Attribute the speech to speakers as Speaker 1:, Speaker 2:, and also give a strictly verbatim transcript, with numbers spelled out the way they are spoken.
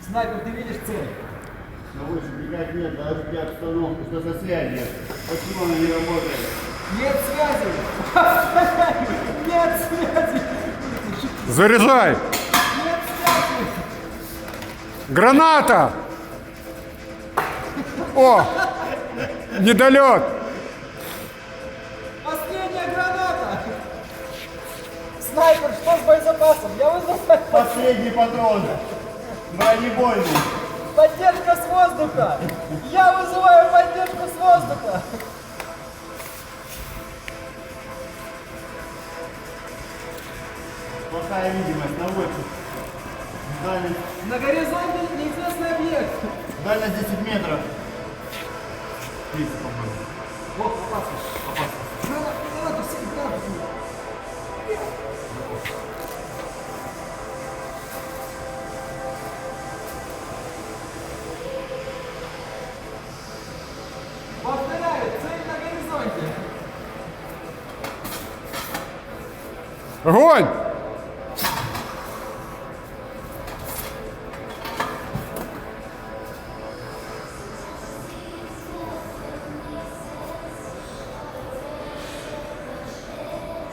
Speaker 1: Снайпер, ты видишь цель?
Speaker 2: Навыше никак нет, даже при обстановке, что за связь нет. Почему она не работает?
Speaker 1: Нет связи! Нет связи!
Speaker 3: Заряжай!
Speaker 1: Нет связи!
Speaker 3: Граната! О! Недолет!
Speaker 1: Последняя граната! Снайпер, что с боезапасом? Я вызвал снайпер.
Speaker 2: Последний патрон. Бронебойный.
Speaker 1: Поддержка с воздуха! Я вызываю поддержку с воздуха!
Speaker 2: Плохая видимость, наводчик. Дальность,
Speaker 1: На горизонте неизвестный объект.
Speaker 2: дальность десять метров. тридцать, по-моему.
Speaker 1: Вот, опасно.
Speaker 2: Опасно.
Speaker 1: Граната, граната, все, граната. Повторяю, цель на горизонте.
Speaker 3: Огонь!